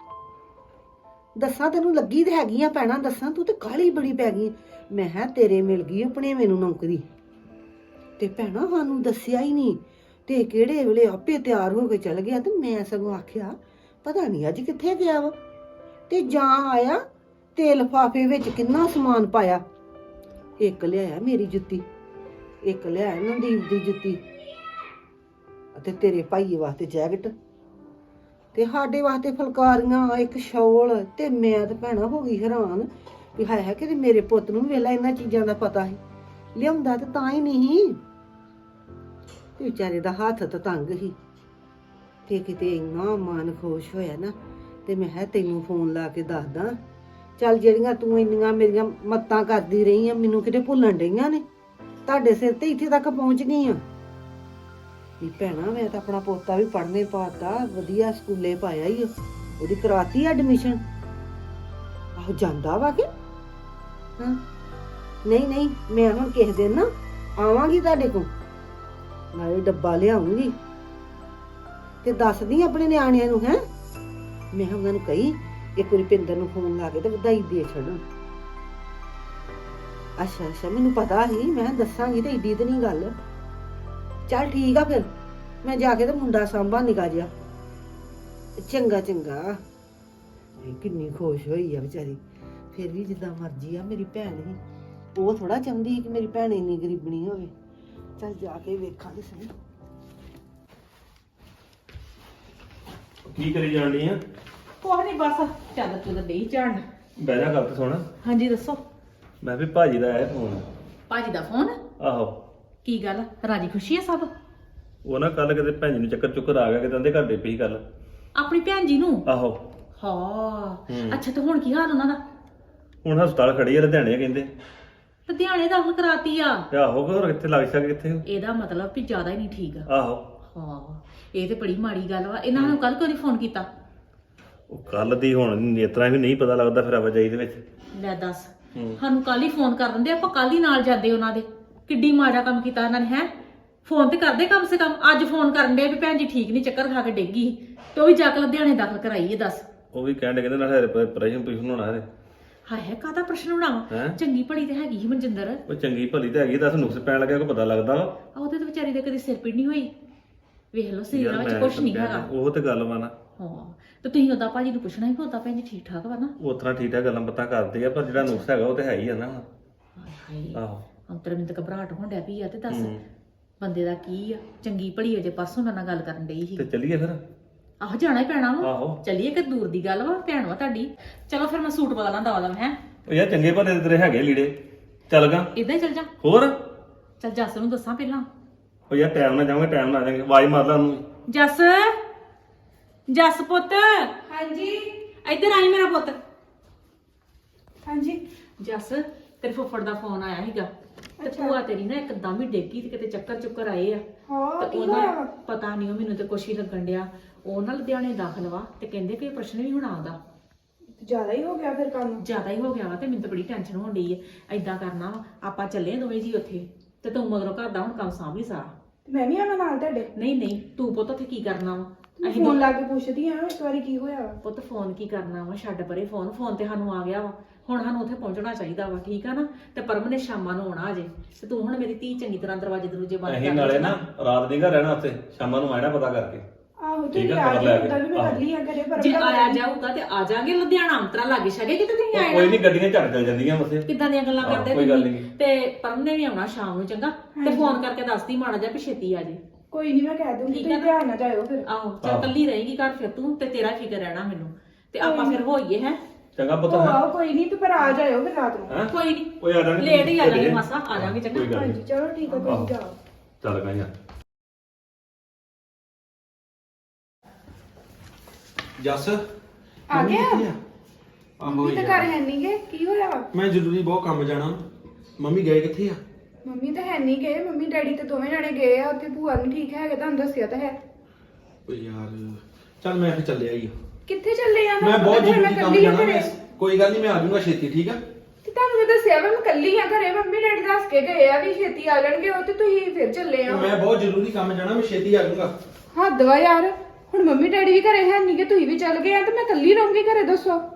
Speaker 1: ਦੱਸਾਂ ਤੈਨੂੰ ਲੱਗੀ ਤੇ ਹੈਗੀ ਆ ਭੈਣਾ, ਦੱਸਾਂ ਤੂੰ ਤੇ ਕਾਹਲੀ ਬੜੀ ਪੈ ਗਈ। ਮੈਂ ਕਿਹਾ ਤੇਰੇ ਮਿਲ ਗਈ ਆਪਣੇ ਮੈਨੂੰ ਨੌਕਰੀ ਤੇ ਭੈਣਾ ਸਾਨੂੰ ਦੱਸਿਆ ਹੀ ਨਹੀਂ ਤੇ ਕਿਹੜੇ ਵੇਲੇ ਆਪੇ ਤਿਆਰ ਹੋ ਕੇ ਚਲ ਗਿਆ। ਤੇ ਮੈਂ ਸਗੋਂ ਆਖਿਆ ਪਤਾ ਨਹੀਂ ਅੱਜ ਕਿੱਥੇ ਗਿਆ ਵਾ। ਤੇ ਜਾਂ ਆਇਆ ਤੇ ਲਿਫਾਫੇ ਵਿੱਚ ਕਿੰਨਾ ਸਮਾਨ ਪਾਇਆ। ਇੱਕ ਲਿਆਇਆ ਮੇਰੀ ਜੁੱਤੀ, ਇੱਕ ਲਿਆਇਆ ਨੰਦੀਪ ਦੀ ਜੁੱਤੀ, ਅਤੇ ਤੇਰੇ ਭਾਈ ਵਾਸਤੇ ਜੈਕਟ, ਤੇ ਸਾਡੇ ਵਾਸਤੇ ਫੁਲਕਾਰੀਆਂ, ਇੱਕ ਸ਼ੌਲ। ਤੇ ਮੈਂ ਤਾਂ ਭੈਣਾ ਹੋ ਗਈ ਹੈਰਾਨ ਵੀ ਹਾਏ ਹਾਏ ਕਿ ਮੇਰੇ ਪੁੱਤ ਨੂੰ ਵੇਲਾ ਇਹਨਾਂ ਚੀਜ਼ਾਂ ਦਾ ਪਤਾ ਸੀ। ਲਿਆਉਂਦਾ ਤੇ ਤਾਂ ਹੀ ਨਹੀਂ, ਤੇ ਵਿਚਾਰੇ ਦਾ ਹੱਥ ਤਾਂ ਤੰਗ ਸੀ। ਤੇ ਕਿਤੇ ਇੰਨਾ ਮਨ ਖੁਸ਼ ਹੋਇਆ ਨਾ, ਤੇ ਮੈਂ ਕਿਹਾ ਤੈਨੂੰ ਫੋਨ ਲਾ ਕੇ ਦੱਸਦਾ। ਚੱਲ ਜਿਹੜੀਆਂ ਤੂੰ ਇੰਨੀਆਂ ਮੇਰੀਆਂ ਮੱਤਾਂ ਕਰਦੀ ਰਹੀ ਆ, ਮੈਨੂੰ ਕਿਤੇ ਭੁੱਲਣ ਡਈਆਂ ਨੇ। ਤੁਹਾਡੇ ਸਿਰ ਤੇ ਇੱਥੇ ਤੱਕ ਪਹੁੰਚ ਗਈ ਆ ਵੀ ਭੈਣਾ ਮੈਂ ਤਾਂ ਆਪਣਾ ਪੋਤਾ ਵੀ ਪੜ੍ਹਨੇ ਪਾਤਾ, ਵਧੀਆ ਸਕੂਲੇ ਪਾਇਆ ਹੀ, ਉਹਦੀ ਕਰਾਤੀ ਐਡਮਿਸ਼ਨ। ਆਹੋ ਜਾਂਦਾ ਵਾ ਕਿ ਹਾਂ? ਨਹੀਂ ਨਹੀਂ, ਮੈਂ ਹੁਣ ਕਿਸੇ ਦਿਨ ਨਾ ਆਵਾਂਗੀ ਤੁਹਾਡੇ ਕੋਲ, ਨਾਲੇ ਡੱਬਾ ਲਿਆਉਂਗੀ ਤੇ ਦੱਸਦੀ ਆਪਣੇ ਨਿਆਣਿਆਂ ਨੂੰ। ਹੈ ਮੈਂ ਉਹਨਾਂ ਨੂੰ ਕਹੀ ਇੱਕ ਵਾਰੀ ਪਿੰਦਰ ਨੂੰ ਫੋਨ ਲਾ ਕੇ ਤੇ ਵਧਾਈ ਦੇ ਛੱਡਣ। ਅੱਛਾ ਅੱਛਾ, ਮੈਨੂੰ ਪਤਾ ਸੀ, ਮੈਂ ਦੱਸਾਂਗੀ ਤੇ ਏਡੀ ਤੇ ਨਹੀਂ ਗੱਲ। ਚੱਲ ਠੀਕ ਆ, ਫਿਰ ਮੈਂ ਜਾ ਕੇ ਤੇ ਮੁੰਡਾ ਸਾਂਭਾ ਨਿਕਾ ਜਿਆ। ਚੰਗਾ ਚੰਗਾ। ਕਿੰਨੀ ਖੁਸ਼ ਹੋਈ ਆ ਵਿਚਾਰੀ। ਫਿਰ ਵੀ ਜਿੱਦਾਂ ਮਰਜ਼ੀ ਆ, ਮੇਰੀ ਭੈਣ ਹੀ, ਉਹ ਥੋੜਾ ਚਾਹੁੰਦੀ ਕਿ ਮੇਰੀ ਭੈਣ ਇੰਨੀ ਗਰੀਬਣੀ ਹੋਵੇ। ਚੱਲ ਜਾ ਕੇ ਵੇਖਾਂਗੇ ਸਹੀ।
Speaker 3: ਕੀ ਕਰੀ ਜਾਣੀ ਆ?
Speaker 5: ਕੁਛ ਨਹੀਂ, ਬਸ ਚੱਲ ਤੂੰ ਤਾਂ ਨਹੀਂ ਝਾੜਨ।
Speaker 3: ਬਹਿ ਜਾ, ਗੱਲ ਤੇ ਸੁਣ।
Speaker 5: ਹਾਂਜੀ ਦੱਸੋ।
Speaker 3: ਮੈਂ ਵੀ ਭਾਜੀ ਦਾ ਆਇਆ ਫੋਨ।
Speaker 5: ਭਾਜੀ ਦਾ ਫੋਨ?
Speaker 3: ਆਹੋ।
Speaker 5: ਕੀ ਗੱਲ, ਰਾਜੀ ਖੁਸ਼ੀ ਹੈ ਸਭ?
Speaker 3: ਉਹ ਨਾ ਕੱਲ ਕਿਤੇ ਭੈਣ ਜੀ ਨੂੰ ਚੱਕਰ ਚੁੱਕਰ ਆ ਗਿਆ, ਕਿਤੇ ਉਹਦੇ ਘਰ ਦੇ ਪਈ ਗੱਲ।
Speaker 5: ਆਪਣੀ ਭੈਣ ਜੀ ਨੂੰ?
Speaker 3: ਆਹੋ।
Speaker 5: ਹਾਂ ਅੱਛਾ, ਤੇ ਹੁਣ ਕੀ ਹਾਲ ਉਹਨਾਂ ਦਾ?
Speaker 3: ਹੁਣ ਹਸਪਤਾਲ ਖੜੀ ਆ ਲੁਧਿਆਣੇ ਕਹਿੰਦੇ।
Speaker 5: ਲੁਧਿਆਣੇ ਦਾਖਲ ਕਰਾਤੀ ਆ?
Speaker 3: ਤੇ ਆਹੋ, ਹੋਰ ਕਿੱਥੇ ਲੱਗ ਸਕੇ ਕਿੱਥੇ।
Speaker 5: ਇਹਦਾ ਮਤਲਬ ਵੀ ਜ਼ਿਆਦਾ ਹੀ ਨਹੀਂ ਠੀਕ ਆ।
Speaker 3: ਆਹੋ।
Speaker 5: ਹਾਂ ਇਹ ਤੇ ਬੜੀ ਮਾੜੀ ਗੱਲ ਵਾ। ਇਹਨਾਂ ਨੂੰ ਕੱਲ ਕਿਉਂ ਨਹੀਂ ਫੋਨ ਕੀਤਾ?
Speaker 3: ਉਹ ਕੱਲ ਦੀ ਹੁਣ ਨੇਤਰਾਂ ਵੀ ਨਹੀਂ ਪਤਾ ਲੱਗਦਾ ਫਿਰ ਆਵਾਜਾਈ ਦੇ ਵਿੱਚ।
Speaker 5: ਲੈ ਦੱਸ, ਸਾਨੂੰ ਕੱਲ ਹੀ ਫੋਨ ਕਰ ਦਿੰਦੇ, ਆਪਾਂ ਕੱਲ ਹੀ ਨਾਲ ਜਾਂਦੇ ਉਹਨਾਂ ਦੇ। ਕਿੱਡੀ ਮਾੜਾ ਕੰਮ ਕੀਤਾ ਇਹਨਾਂ ਨੇ। ਹੈ ਫੋਨ ਤੇ ਕਰਦੇ ਕਮ ਸੇ ਕਮ। ਅੱਜ ਫੋਨ ਕਰਨ ਦੇ ਵੀ ਭੈਣ ਜੀ ਠੀਕ ਨਹੀਂ, ਚੱਕਰ ਖਾ ਕੇ ਡਿੱਗੀ ਤੇ ਉਹ ਵੀ ਜਾ ਕੇ ਲੁਧਿਆਣੇ ਦਾਖਲ ਕਰਾਈ ਹੈ। ਦੱਸ,
Speaker 3: ਉਹ ਵੀ ਕਹਿਣ ਕਹਿੰਦੇ ਨਾਲ ਹਰੇ ਪ੍ਰੈਸ਼ਨ ਪ੍ਰੈਸ਼ਨ ਹੋਣਾ ਹਰੇ।
Speaker 5: ਹਾਏ ਹਾਏ, ਕਾਹਦਾ ਪ੍ਰਸ਼ਨ ਬਣਾਵਾ? ਚੰਗੀ ਭਲੀ ਤੇ ਹੈਗੀ ਸੀ ਮਨਜਿੰਦਰ।
Speaker 3: ਉਹ ਚੰਗੀ ਭਲੀ ਤੇ ਹੈਗੀ, ਦੱਸ ਨੁਕਸ ਪੈਣ ਲੱਗਿਆ ਕੋ ਪਤਾ ਲੱਗਦਾ ਵਾ।
Speaker 5: ਉਹਦੇ ਤੇ ਵਿਚਾਰੀ ਦੇ ਕਦੀ ਸਿਰ ਪੀੜ ਨਹੀਂ ਹੋਈ। ਵੇਖ ਲਓ ਸਰੀਰਾਂ ਵਿੱਚ ਕੁਛ ਨਹੀਂ ਹੈਗਾ।
Speaker 3: ਉਹ ਤੇ ਗੱਲ ਵਾ ਨਾ।
Speaker 5: ਹਾਂ ਤੇ ਤੁਸੀਂ ਉਹਦਾ ਭਾਜੀ ਨੂੰ ਪੁੱਛਣਾ ਹੀ, ਉਹਦਾ ਭੈਣ ਜੀ ਠੀਕ ਠਾਕ ਵਾ ਨਾ?
Speaker 3: ਉਸ ਤਰ੍ਹਾਂ ਠੀਕ ਠਾਕ ਗੱਲਾਂ ਬਾਤਾਂ ਕਰਦੇ ਆ, ਪਰ ਜਿਹੜਾ ਨੁਕਸ ਹੈਗਾ ਉਹ ਤੇ ਹੈ ਹੀ ਆ ਨਾ।
Speaker 5: ਹਾਏ ਹਾਏ,
Speaker 3: ਆਹੋ।
Speaker 5: ਅੰਤਰ ਮੈਨੂੰ ਤਾਂ ਘਬਰਾਹਟ ਹੋਣ ਡਿਆ ਪਈ ਆ। ਤੇ ਦੱਸ ਬੰਦੇ ਦਾ ਕੀ ਆ? ਚੰਗੀ ਭਲੀ ਅਜੇ ਪਰਸੋਂ ਮੇਰੇ ਨਾਲ ਗੱਲ ਕਰਨ ਡਈ ਸੀ।
Speaker 3: ਤੇ ਚੱਲੀਏ ਫਿਰ।
Speaker 5: ਆਹੋ ਜਾਣਾ ਹੀ ਪੈਣਾ ਵਾ।
Speaker 3: ਆਹੋ
Speaker 5: ਚੱਲੀਏ, ਕਿ ਦੂਰ ਦੀ ਗੱਲ ਵਾ, ਭੈਣ ਵਾ ਤੁਹਾਡੀ। ਚਲੋ ਫਿਰ ਮੈਂ ਸੂਟ ਬਦਲਾਂ ਦਵਾ ਦਵਾਂ। ਹੈ
Speaker 3: ਉਹ ਯਾਰ ਚੰਗੇ ਭਲੇ ਤੇਰੇ ਹੈਗੇ ਲੀੜੇ, ਚੱਲ ਗਾ।
Speaker 5: ਇਦਾਂ ਹੀ ਚੱਲ ਜਾ।
Speaker 3: ਹੋਰ
Speaker 5: ਚੱਲ ਜੱਸ ਨੂੰ ਦੱਸਾਂ ਪਹਿਲਾਂ।
Speaker 3: ਉਹ ਯਾਰ ਟਾਈਮ ਨਾਲ ਜਾਵਾਂਗੇ, ਟਾਈਮ ਨਾਲ ਆ ਜਾਵਾਂਗੇ। ਆਵਾਜ਼ ਮਾਰ ਲਾ ਉਹਨੂੰ।
Speaker 5: ਜੱਸ, ਜੱਸ ਪੁੱਤ।
Speaker 2: ਹਾਂਜੀ
Speaker 5: ਇੱਧਰ ਆਈ ਮੇਰਾ ਪੁੱਤ।
Speaker 2: ਹਾਂਜੀ।
Speaker 5: ਜੱਸ, ਤੇਰੇ ਫੁੱਫੜ ਦਾ ਫੋਨ ਆਇਆ ਸੀਗਾ ਤੇ ਭੂਆ ਤੇਰੀ ਨਾ ਇੱਕਦਮ ਹੀ ਡੇਗੀ ਤੇ ਕਿਤੇ ਚੱਕਰ ਚੁੱਕਰ ਆਏ ਆ।
Speaker 2: ਹਾਂ
Speaker 5: ਤੇ ਉਹਦਾ ਪਤਾ ਨਹੀਂ, ਉਹ ਮੈਨੂੰ ਤੇ ਕੁਛ ਹੀ ਲੱਗਣ ਡਿਆ। ਉਹ ਨਾ ਲੁਧਿਆਣੇ ਦਾਖਲ ਵਾ ਤੇ ਕਹਿੰਦੇ ਕਿ ਪ੍ਰਸ਼ਨ ਵੀ ਹੋਣਾ ਉਹਦਾ।
Speaker 2: ਜ਼ਿਆਦਾ ਹੀ ਹੋ ਗਿਆ ਫਿਰ ਕੰਮ।
Speaker 5: ਜ਼ਿਆਦਾ ਹੀ ਹੋ ਗਿਆ ਵਾ ਤੇ ਮੈਨੂੰ ਤਾਂ ਬੜੀ ਟੈਨਸ਼ਨ ਹੋਣ ਡਈ ਹੈ। ਏਦਾਂ ਕਰਨਾ ਵਾ, ਆਪਾਂ ਚੱਲੇ ਦੋਵੇਂ ਜੀ ਉੱਥੇ, ਤੇ ਤੂੰ ਮਗਰੋਂ ਘਰ ਦਾ ਹੁਣ ਕੰਮ ਸਾਂਭ ਲਈ ਸਾਰਾ।
Speaker 2: ਮੈਂ ਵੀ ਆਵਾਂ ਨਾਲ ਤੁਹਾਡੇ?
Speaker 5: ਨਹੀਂ ਨਹੀਂ, ਤੂੰ ਪੁੱਤ ਉੱਥੇ ਕੀ ਕਰਨਾ ਵਾ? ਅਸੀਂ
Speaker 2: ਫੋਨ ਲਾ ਕੇ ਪੁੱਛਦੀ ਆ ਇੱਕ ਵਾਰੀ ਕੀ ਹੋਇਆ ਵਾ।
Speaker 5: ਪੁੱਤ ਫੋਨ ਕੀ ਕਰਨਾ ਵਾ? ਛੱਡ ਪਰੇ ਫੋਨ। ਫੋਨ ਤੇ ਸਾਨੂੰ ਆ ਗਿਆ ਵਾ, ਹੁਣ ਸਾਨੂੰ ਉੱਥੇ ਪਹੁੰਚਣਾ ਚਾਹੀਦਾ ਵਾ। ਠੀਕ ਆ ਨਾ? ਤੇ ਪਰਮ ਨੇ ਸ਼ਾਮਾਂ ਨੂੰ ਆਉਣਾ ਅਜੇ, ਤੇ ਤੂੰ ਹੁਣ ਮੇਰੀ ਧੀ ਚੰਗੀ ਤਰ੍ਹਾਂ ਦਰਵਾਜ਼ੇ ਦਰੂਜੇ ਬੰਦ
Speaker 3: ਅਸੀਂ
Speaker 5: ਕਰ
Speaker 3: ਨਾਲੇ ਨਾ ਰਾਤ ਨਹੀਂ ਘਰ ਰਹਿਣਾ ਉੱਥੇ, ਸ਼ਾਮਾਂ ਨੂੰ ਆਣਾ ਪਤਾ ਕਰਕੇ।
Speaker 2: ਆਹੋ
Speaker 3: ਠੀਕ
Speaker 2: ਤੁਸੀਂ
Speaker 3: ਆ,
Speaker 2: ਆ
Speaker 3: ਖਬਰ ਲੈ ਕੇ।
Speaker 2: ਜਾਓ, ਵੀ ਮੈਂ ਕਰ ਲਈ ਆ ਘਰੇ। ਪਰ
Speaker 5: ਜੇ ਆਇਆ ਜਾਊਗਾ ਤੇ ਆ ਜਾਾਂਗੇ ਲੁਧਿਆਣਾ। ਅੰਤਰਾ ਲਾਗੇ ਛਗੇ ਕਿਤੇ ਤੁਸੀਂ ਆਏ
Speaker 3: ਕੋਈ ਨਹੀਂ, ਗੱਡੀਆਂ ਝੜ ਚੱਲ ਜਾਂਦੀਆਂ ਮਸੇ।
Speaker 5: ਕਿੱਦਾਂ ਦੀਆਂ ਗੱਲਾਂ
Speaker 3: ਆਹੋ,
Speaker 5: ਕਰਦੇ
Speaker 3: ਕੋਈ ਗੱਲ
Speaker 5: ਤੁਸੀਂ?
Speaker 3: ਨੀ।
Speaker 5: ਤੇ ਪਰਮ ਨੇ ਵੀ ਆਉਣਾ ਸ਼ਾਮ ਨੂੰ, ਚੰਗਾ? ਤੇ ਫੋਨ ਕਰਕੇ ਦੱਸਦੀ ਮਾੜਾ ਜਿਹਾ ਵੀ ਛੇਤੀ ਆ ਜੇ।
Speaker 2: ਕੋਈ ਨਹੀਂ, ਮੈਂ ਕਹਿ ਦੂੰਗੀ।
Speaker 5: ਠੀਕ
Speaker 2: ਤੁਸੀਂ
Speaker 5: ਆ ਨਾ?
Speaker 2: ਧਿਆਨ ਨਾਲ ਜਾਇਓ ਫਿਰ।
Speaker 5: ਆਹੋ ਚੱਲ, ਕੱਲੀ ਰਹੇਗੀ ਘਰ ਫਿਰ ਤੂੰ, ਤੇ ਤੇਰਾ ਫਿਕਰ ਰਹਿਣਾ ਮੈਨੂੰ। ਤੇ ਆਪਾਂ ਫਿਰ ਹੋਈਏ। ਹੈ
Speaker 3: ਚੰਗਾ ਪੁੱਤ
Speaker 6: ਉਹ
Speaker 3: ਹੈ
Speaker 6: ਆਓ ਕੋਈ ਨਹੀਂ ਤੇ ਪਰ ਆ ਜਾਇਓ ਫਿਰ ਰਾਤ ਨੂੰ
Speaker 3: ਹੈਂ?
Speaker 5: ਕੋਈ ਨਹੀਂ
Speaker 3: ਓਏ ਆ ਜਾਾਂਗੇ
Speaker 5: ਲੇਟ ਹੀ ਆ ਜਾਾਂਗੇ ਮਾਸਾ ਆ ਜਾਾਂਗੇ
Speaker 3: ਕੋਈ
Speaker 5: ਚੰਗਾ
Speaker 3: ਗੱਲ ਨੀ।
Speaker 6: ਹਾਂਜੀ ਚਲੋ ਠੀਕ ਆ
Speaker 3: ਆਹੋ।
Speaker 6: ਤੁਸੀਂ ਜਾਓ
Speaker 3: ਚੱਲ ਗਾਈਆਂ
Speaker 7: ਜੱਸ
Speaker 6: ਆ ਗਿਆ
Speaker 7: ਆਹੋ
Speaker 6: ਮੰਮੀ ਤਾਂ
Speaker 7: ਯਾਰ।
Speaker 6: ਘਰ ਹੈ ਨਹੀਂ ਗੇ ਕੀ ਹੋਇਆ ਵਾ?
Speaker 7: ਮੈਂ ਜ਼ਰੂਰੀ ਬਹੁਤ ਕੰਮ ਜਾਣਾ ਮੰਮੀ ਗਏ ਕਿੱਥੇ ਆ
Speaker 6: ਮੰਮੀ ਤਾਂ ਹੈ ਨਹੀਂ ਗਏ ਮੰਮੀ ਡੈਡੀ ਤੇ ਦੋਵੇਂ ਜਾਣੇ ਗਏ ਆ ਉੱਥੇ ਭੂਆ ਨੂੰ ਠੀਕ ਹੈਗੇ ਤੁਹਾਨੂੰ ਦੱਸਿਆ ਤਾਂ ਹੈ
Speaker 7: ਓ ਯਾਰ ਚੱਲ ਮੈਂ ਫਿਰ ਚੱਲਿਆ ਹੀ
Speaker 6: ਕਿੱਥੇ ਚੱਲੇ ਆ
Speaker 7: ਮੈਂ ਬਹੁਤ
Speaker 6: ਤਾਂ ਫਿਰ
Speaker 7: ਜ਼ਰੂਰੀ ਕੰਮ
Speaker 6: ਇਕੱਲੀ ਆ
Speaker 7: ਜਾਣਾ
Speaker 6: ਘਰੇ।
Speaker 7: ਮੈਂ ਕੋਈ ਗੱਲ ਨਹੀਂ ਮੈਂ ਆ ਜਾਊਂਗਾ ਛੇਤੀ ਠੀਕ ਆ
Speaker 6: ਤੇ ਤੁਹਾਨੂੰ ਮੈਂ ਦੱਸਿਆ ਵਾ ਮੈਂ ਕੱਲੀ ਆ ਘਰੇ ਮੰਮੀ ਡੈਡੀ ਦੱਸ ਕੇ ਗਏ ਆ ਵੀ ਛੇਤੀ ਆ ਜਾਣਗੇ ਉਹ ਤੇ ਤੁਸੀਂ ਫਿਰ ਚੱਲੇ ਆ
Speaker 7: ਮੈਂ ਬਹੁਤ ਜ਼ਰੂਰੀ ਕੰਮ ਜਾਣਾ ਮੈਂ ਛੇਤੀ ਆ ਜਾਊਂਗਾ
Speaker 6: ਹੱਦ ਵਾ ਯਾਰ ਹੁਣ ਮੰਮੀ ਡੈਡੀ ਵੀ ਘਰੇ ਹੈ ਨਹੀਂ ਕਿ ਤੁਸੀਂ ਵੀ ਚੱਲ ਗਏ ਆ ਤੇ ਮੈਂ ਕੱਲੀ ਰਹੂੰਗੀ ਘਰੇ ਦੱਸੋ